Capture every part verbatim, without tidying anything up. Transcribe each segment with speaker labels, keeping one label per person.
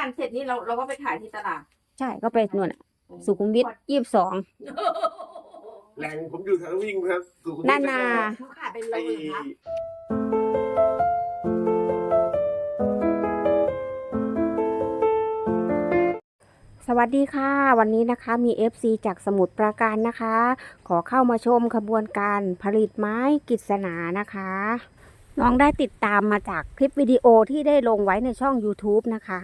Speaker 1: กันเสร็จนี่เราเราก็ไปขายที่ตลาด
Speaker 2: ใช่ก็ไปนู่นน่ะสุขุมวิทยี่สิบสอง
Speaker 3: แหล่งผมอยู่แถววิ่งครับสุขุมวิท
Speaker 2: นานา
Speaker 1: เขาขายเป็นโล
Speaker 3: ไอ้
Speaker 1: เหรอคะ
Speaker 2: สวัสดีค่ะวันนี้นะคะมี เอฟ ซี จากสมุทรปราการนะคะ ขอเข้ามาชมขบวนการผลิตไม้กฤษณานะคะน้องได้ติดตามมาจากคลิปวิดีโอที่ได้ลงไว้ในช่อง ยูทูบ นะคะ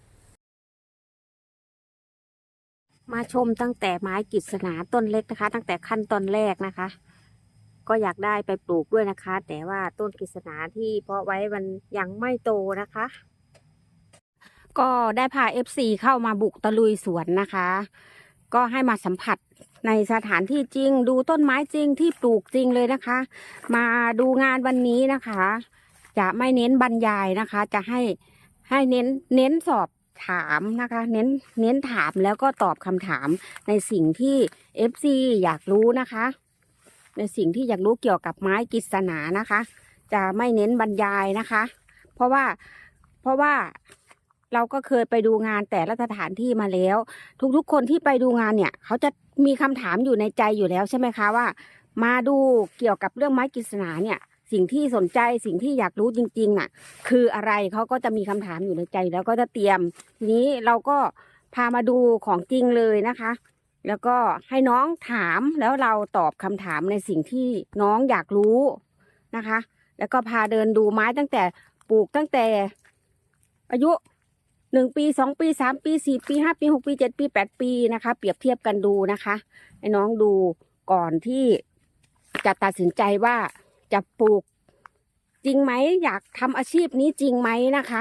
Speaker 2: มาชมตั้งแต่ไม้กฤษณาต้นเล็กนะคะ ตั้งแต่ขั้นตอนแรกนะคะ ก็อยากได้ไปปลูกด้วยนะคะ แต่ว่าต้นกฤษณาที่เพาะไว้มันยังไม่โตนะคะ ก็ได้พา เอฟ ซี เข้ามาบุกตะลุยสวนนะคะ ก็ให้มาสัมผัสในสถานที่จริงดูต้นไม้จริงที่ปลูกจริงเลยนะคะ มาดูงานวันนี้นะคะ จะไม่เน้นบรรยายนะคะ จะให้ให้เน้นเน้นสอบถามนะคะ เน้นเน้นถามแล้วก็ตอบคำถามในสิ่งที่ เอฟ ซี อยากรู้นะคะ ในสิ่งที่อยากรู้เกี่ยวกับไม้กฤษณานะคะ จะไม่เน้นบรรยายนะคะ เพราะว่าเพราะว่าเราก็เคยไปดูงานแต่ละสถานที่มาแล้ว ทุกๆคนที่ไปดูงานเนี่ยเขาจะมีคำถามอยู่ในใจอยู่แล้วใช่ไหมคะว่า มาดูเกี่ยวกับเรื่องไม้กฤษณาเนี่ยสิ่งที่สนใจสิ่งที่อยากรู้จริงๆน่ะคืออะไรเขาก็จะมีคำถามอยู่ในใจแล้วก็จะเตรียมทีนี้เราก็พามาดูของจริงเลยนะคะ แล้วก็ให้น้องถามแล้วเราตอบคำถามในสิ่งที่น้องอยากรู้นะคะ แล้วก็พาเดินดูไม้ตั้งแต่ปลูกตั้งแต่อายุหนึ่งปีสองปีสามปีสี่ปีห้าปีหกปีเจ็ดปีแปดปีนะคะเปรียบเทียบกันดูนะคะให้น้องดูก่อนที่จะตัดสินใจว่าจะปลูกจริงไหมอยากทำอาชีพนี้จริงไหมนะคะ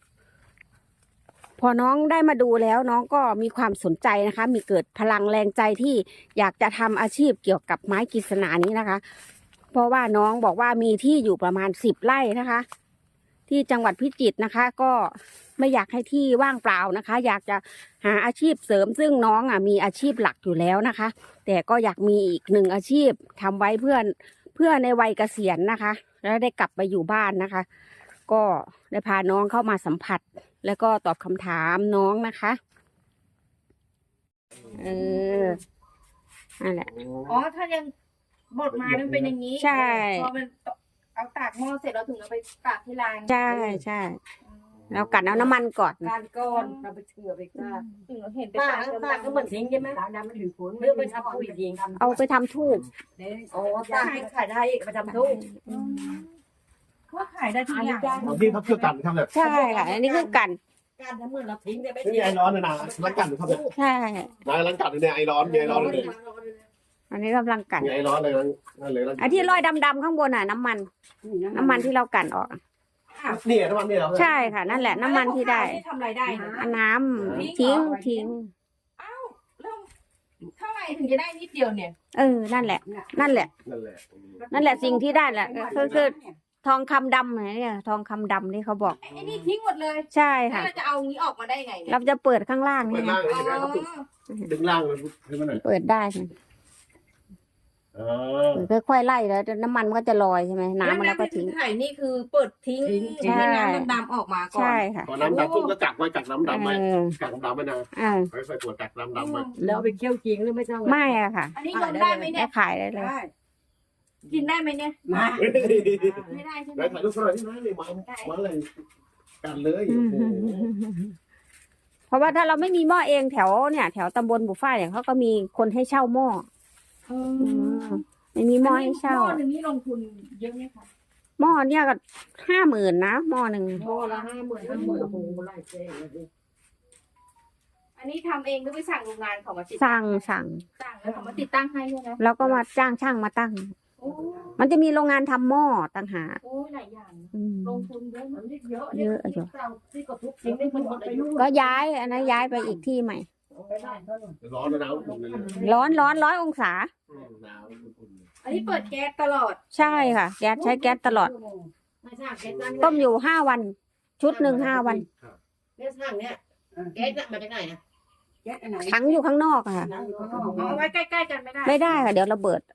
Speaker 2: พอน้องได้มาดูแล้วน้องก็มีความสนใจนะคะมีเกิดพลังแรงใจที่อยากจะทำอาชีพเกี่ยวกับไม้กฤษณานี้นะคะเพราะว่าน้องบอกว่ามีที่อยู่ประมาณสิบไร่นะคะที่จังหวัดพิจิตรนะคะก็ไม่อยากให้ที่ว่างเปล่านะคะอยากจะหาอาชีพเสริมซึ่งน้องอ่ะมีอาชีพหลักอยู่แล้วนะคะแต่ก็อยากมีอีกหนึ่งอาชีพทำไว้เพื่อเพื่อในวัยเกษียณนะคะแล้วได้กลับไปอยู่บ้านนะคะก็ได้พาน้องเข้ามาสัมผัสแล้วก็ตอบคำถามน้องนะคะเออนั่นแหละ
Speaker 1: อ๋อถ้ายังบดมามันเป็นอย่างนี้
Speaker 2: ใช่
Speaker 1: พอมันเอาตากหม้อเสร็จเราถึงเอาไปตากที่ร้าน
Speaker 2: ใช่ใช่แล้วกันเอาน้ำมันก่อน
Speaker 4: การก้อนเราไปเชื่อไปกล้า
Speaker 1: ถึงเราเห็น
Speaker 4: ป้า
Speaker 1: ตาก
Speaker 4: ป้าก็เหมือนทิ้งใช่ไหมตาดำมันถือผลเรื่องไปทำปุ๋ยทิ้ง
Speaker 2: เอาไปทำทูบ
Speaker 4: โอ้ตาให้ขายได้ไปทำทุก
Speaker 1: เขาขายได้ทุกอย่าง
Speaker 3: บางที่เขาเชื่อกันครับแบบ
Speaker 2: ใช่ค่ะอันนี้คือกัน
Speaker 4: การทำเหมือนเราทิ้งได้ไม่
Speaker 3: ไม่มีไอร้อนเลยนะร้านกันครับแบบ
Speaker 2: ใช่
Speaker 3: นายร้านกันเนี่ยไอร้อนมีไอร้อนเลย
Speaker 2: อันนี้กำลังกัน
Speaker 3: มีไอร้อนเลยนั่นเลย
Speaker 2: ไอ้ที่ลอยดำๆข้างบนน่ะน้ำมัน น้ำมันที่เรากันออก
Speaker 3: นี่น้ำมันนี่เหรอ
Speaker 2: ใช่ค่ะ นั่นแหละน้ำมันที่ได้
Speaker 1: ทำรายได้นะ
Speaker 2: อันน้ำทิ้งทิ้ง
Speaker 1: อ้าวแล้วเท่าไหร่ถึงจะได้นิดเดียวเนี่ย
Speaker 2: เออนั่นแหละ นั่นแหละ
Speaker 3: นั่นแหละ
Speaker 2: นั่นแหละสิ่งที่ได้แหละคือคือทองคำดำเนี่ยทองคำดำที่เขาบอก
Speaker 1: ไอ้นี่ทิ้งหมดเลย
Speaker 2: ใช่
Speaker 1: แล้ว
Speaker 2: ค่ะ
Speaker 1: เราจะเอางี้ออกมาได้ไงเนี่ย
Speaker 2: เราจะเปิดข้างล่าง
Speaker 3: เปิ
Speaker 2: นี่
Speaker 3: ด
Speaker 2: ไง
Speaker 3: ล่างเลย
Speaker 1: อ๋อ
Speaker 3: นะครับดึงล่างเลยให้มันหน่อย
Speaker 2: เปิดได้ไง
Speaker 3: อ๋อ
Speaker 2: ค่อยๆไล่แล้วน้ำมันมันก็จะลอยใช่ไหมน้ำมันแล้วก็ทิ้ง
Speaker 1: ไข่นี่คือเปิดทิ้ง
Speaker 2: ใช่
Speaker 1: ให้น้ำดำๆออกมาก่อน
Speaker 2: ใช่ค่ะ
Speaker 3: พอน้ำดำปุ๊บก็กักไว้กักน้ำดำไว้
Speaker 2: เออ
Speaker 3: กักน้ำดำไว้นะ
Speaker 2: อ่า
Speaker 3: ค่อยๆตรวจกักน้ำดำไว้
Speaker 4: แล้วไปเคี่ยวจริงหรือไม่ต้อง
Speaker 2: ไม่อะค่ะ
Speaker 1: อันนี้ยอมได้ไหมเนี่
Speaker 2: ได้
Speaker 1: ย
Speaker 2: ขายได้เลย
Speaker 1: กินได้ไหมเนี่ย
Speaker 4: มา
Speaker 1: ไม่ได้ใช่ไหม
Speaker 3: แล้วถ่ายรูปหน่อยที่ไหนเลยมามาเลยกันเลยโอ้โห
Speaker 2: เพราะว่าถ้าเราไม่มีหม้อเองแถวเนี่ย แถวตำบลบุฟ้าเนี่ยเขาก็มีคนให้เช่าหม้ออไม่มีหม้อให้เช่า
Speaker 1: หม้อหนึ่งนี่ลงทุนเยอะไหมคะ
Speaker 2: หม้อเนี่ยก็ห้าหมื่นนะหม้อหนึ่ง
Speaker 4: พอละห้าหมื่นห้าหมื่นโอ้โหไล่เจ๊เลย
Speaker 1: อันนี้ทำเองหรือไปสั่งโรงงานเขามาติด
Speaker 2: สั่งสั่ง
Speaker 1: สั่งแล้วเขามาติดตั้งให้ใช่ไหม
Speaker 2: แล้วก็มาจ้างช่างมาตั้ง
Speaker 1: โอ้
Speaker 2: มันจะมีโรงงานทำหม้อต่างหาก
Speaker 1: โหหลายอย่างนะ
Speaker 2: อืม
Speaker 1: ลงทุนเยอะ
Speaker 4: มันเยอะ
Speaker 2: เยอะอยู่
Speaker 4: ที่ก็ทุบทิ้งได้มันหมดอายุ
Speaker 2: ก็ย้ายอันนั้นย้ายไปอีกที่ใหม่
Speaker 4: ไปได้เท่าไหร่
Speaker 3: ร้อนแล้วนะอุ่นเลย
Speaker 2: ร้อนร้อนร้อยองศา
Speaker 3: หนาวอุ่น
Speaker 1: อันนี้เปิดแก๊สตลอด
Speaker 2: ใช่ค่ะ แก๊สใช้แก๊สตลอด
Speaker 4: ไม่ใช่แก๊สนั่น
Speaker 2: ต้มอยู่ห้าวัน ชุดหนึ่งห้าวัน
Speaker 4: แก๊สนั่นเนี่ยแก๊สมาจากไหนอ่ะแก๊สอันไหน
Speaker 2: ถังอยู่ข้างนอกอะค่ะ
Speaker 1: เอาไว้ใกล้ๆกันไม่ได้
Speaker 2: ไม่ได้ค่ะ เดี๋ยวระเบิด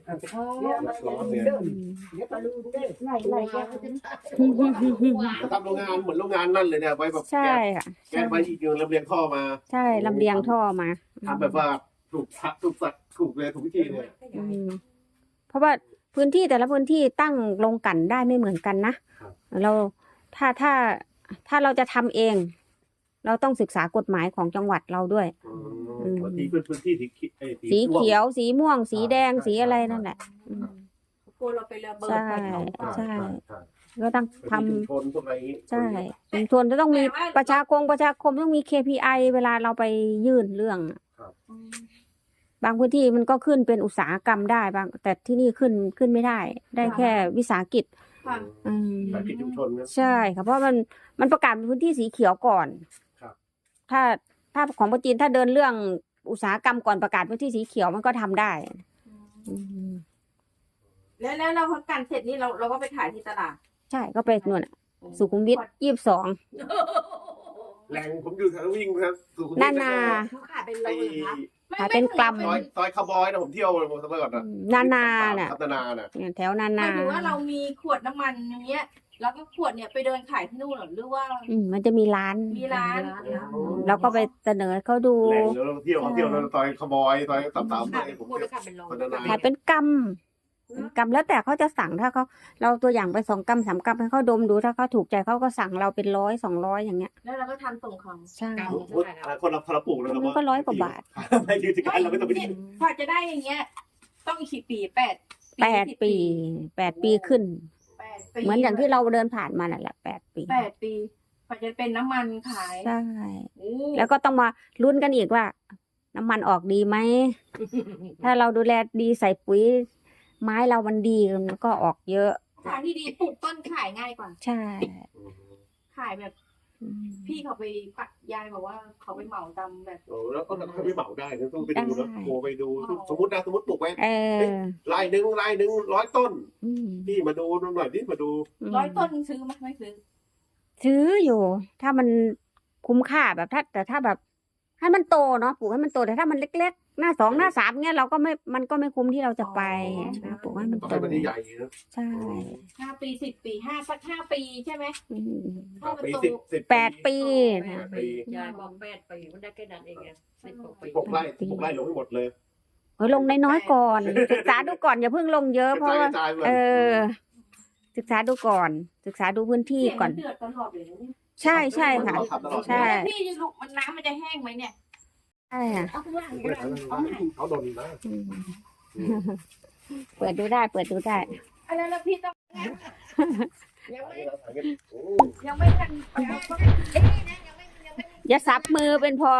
Speaker 3: เนี่ยร้อนเนี่ย
Speaker 4: เดี๋ยวปลาลูนเด้อ
Speaker 1: ไหลไหลแก
Speaker 3: ทำโรงงานเหมือนโรงงานนั่นเลยเนี่ยไว้แบบ
Speaker 2: ใช่ค่ะ
Speaker 3: แกไปอีกอย่างลำเลียงท่อมา
Speaker 2: ใช่ลำเลียงท่อมา
Speaker 3: ทำแบบว่าถูกทักถูกสักถูกเลยถูกวิธีเลย
Speaker 2: อืมเพราะว่าพื้นที่แต่ละพื้นที่ตั้งลงกลั่นได้ไม่เหมือนกันนะเราถ้าถ้าถ้าเราจะทำเอง เราต้องศึกษากฎหมายของจังหวัดเราด้วย
Speaker 3: บางทีเป็นพื้นที่สีเขียว
Speaker 2: สีเขียว สีม่วง สีแดง สีอะไรนั่นแหละอืม
Speaker 1: กลัวเราไประเบิด
Speaker 2: ใช่
Speaker 1: ไปเขา
Speaker 2: ใช่ ก็ต้องทำ
Speaker 3: ชุมชนพวกอะไรอย่างนี้
Speaker 2: ใช่ชุมชนจะต้องมีประชาคมประชาคมต้องมี เค พี ไอ เวลาเราไปยื่นเรื่อง บางพื้นที่มันก็ขึ้นเป็นอุตสาหกรรมได้บางแต่ที่นี่ขึ้นขึ้นไม่ได้ ได้แค่วิสาหกิจ
Speaker 1: ค่ะ
Speaker 2: อืม
Speaker 3: สายกิจชุมชนนะ
Speaker 2: ใช่ค่ะเพราะมันมันประกาศเป็นพื้นที่สีเขียวก่อน
Speaker 3: ครับ
Speaker 2: ถ้าถ้าของประจีนถ้าเดินเรื่องอุตสาหกรรมก่อนประกาศพื้นที่สีเขียวมันก็ทำได้อืม
Speaker 1: แล้วแล้วเรากันเสร็จนี่เราเราก็ไปขายที่ตลาด
Speaker 2: ใช่ก็ไปนู่นน่ะสุขุมวิทยี่สิบสอง
Speaker 3: แรงผมอยู่แถววิ่งครับสุขุมวิท
Speaker 2: นานา
Speaker 4: เขาขายเป็นโล
Speaker 3: ไอ้
Speaker 4: เหรอครับ
Speaker 2: ขายเป็นกรัม
Speaker 3: ซอยซอยคาร์บอยนะผมเที่ยวผมสมัยก่อนนะ
Speaker 2: นานาน่ะ
Speaker 3: พัฒนาน่ะ
Speaker 2: เนี่ยแถวนา
Speaker 1: หมา
Speaker 2: นา
Speaker 1: ยถึงว่าเรามีขวดน้ำมันอย่างเงี้ย แล้วก็ขวดเนี่ยไปเดินขายที่นู่นเหรอหรือว่า
Speaker 2: อืมมันจะมีร้าน
Speaker 1: มีร้าน
Speaker 2: เราก็ไปเสนอเขาดู
Speaker 3: แรงแล้วเราเที่ยวเขาเที่ยวแล้วซอยคาร์บอยซอยสามสามอะไรผม
Speaker 4: พูด
Speaker 3: เที่ยว
Speaker 4: แล้วขายเป็นโล
Speaker 3: พัฒนา
Speaker 2: ขายเป็นกรัมเป็นกรัมแล้วแต่เขาจะสั่งถ้าเขาเราตัวอย่างไปสองกรัมสามกรัมให้เขาดมดูถ้าเขาถูกใจเขาก็สั่งเราเป็นร้อยสองร้อยอย่างเงี้ย
Speaker 1: แล้วเราก็ทำส่งเขา
Speaker 2: ใช่
Speaker 3: คนละคนละปลูกเลย
Speaker 2: มันก็ร้อยกว่าบาท
Speaker 3: ไม่ยืนที่กันเราไม่ต้องไป
Speaker 1: เนี่ยกว่าจะได้อย่างเงี้ย ต้องอีกกี่ปีแปด
Speaker 2: แปดปีแปดปีขึ้น
Speaker 1: แปดปี
Speaker 2: เหมือนอย่างที่เราเดินผ่านมานั่นแหละแปดปี
Speaker 1: แปดปีกว่าจะเป็นน้ำมันขาย
Speaker 2: ใช่
Speaker 1: โอ้
Speaker 2: แล้วก็ต้องมาลุ้นกันอีกว่า น้ำมันออกดีไหม ถ้าเราดูแลดีใส่ปุ๋ย ไม้เรามันดีมันก็ออกเยอะ
Speaker 1: ทางที่ดีปลูกต้นขายง่ายกว่า
Speaker 2: ใช่
Speaker 1: ขายแบบ
Speaker 2: อืม
Speaker 1: พี่เขาไปปักยายบอกว่าเขาไปเหมาตามแบบ
Speaker 3: โอ้แล้วก็เขาไม่เหมาได้นะต้องไปดูนะโทรไปดูสมมตินะสมมติปลูกไว้
Speaker 2: เออ
Speaker 3: ลายหนึ่งลายหนึ่งร้อยต้น
Speaker 2: อืม
Speaker 3: พี่มาดูหน่อยนี่มาดู
Speaker 1: ร้อยต้นซื้อไหมไม่ซื้อ
Speaker 2: ซื้ออยู่ ถ้ามันคุ้มค่าแบบถ้าแต่ถ้าแบบ ให้มันโตเนาะปลูกให้มันโตแต่ถ้ามันเล็กๆ หน้าสองหน้าสามเงี้ยเราก็ไม่มันก็ไม่คุ้มที่เราจะไปนะปลูกให้มัน
Speaker 3: ต้อง
Speaker 2: โต
Speaker 3: ให้มันใหญ่นะ
Speaker 2: ใช่
Speaker 1: ห้าปีสิบปีห้าสักห้าปีใช่ไหม
Speaker 2: อืม
Speaker 1: ถ้ามัน
Speaker 3: ปี
Speaker 1: โต
Speaker 3: สิบสิบ
Speaker 2: แปดปี
Speaker 3: แป
Speaker 2: นะ
Speaker 3: ดปี
Speaker 4: ยายบอกแปดปีมันได้แค่นั้นเองไงสิบกว่าปี
Speaker 3: หกไร่หกไร่ลงให้หมดเลย
Speaker 2: เฮ้ยลงน้อยๆก่อน ศึกษาดูก่อนอย่าเพิ่งลงเยอะเพราะว่า
Speaker 3: กระจายกระจายเลย
Speaker 2: เออ ศึกษาดูก่อน ศึกษาดูพื้นที่
Speaker 1: เสียง
Speaker 2: ก่อ
Speaker 1: มัน นเดือดตลอดเลยนะเนี่ย
Speaker 2: ใช่ใช่ค่ะ ใช่
Speaker 1: พี่จะลูกมันน้ำมันจะแห้งไหมเนี่ย
Speaker 2: ใช่ค่ะ
Speaker 1: เอาข้างล่าง
Speaker 3: ไม่ทันเขาโดนนะ
Speaker 2: อืมเปิดดูได้ เปิดดูได้
Speaker 1: อะไรแล้วพี่ต้อง
Speaker 4: ยังไม่
Speaker 1: ยังไม่ทันเอาก็
Speaker 4: เอ๊ะนะยังไม่ยังไม่
Speaker 2: อย่าสับมือเป็นพอ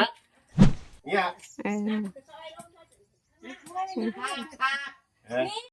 Speaker 3: เนี่ย
Speaker 2: เออ
Speaker 4: ค่ะค่ะ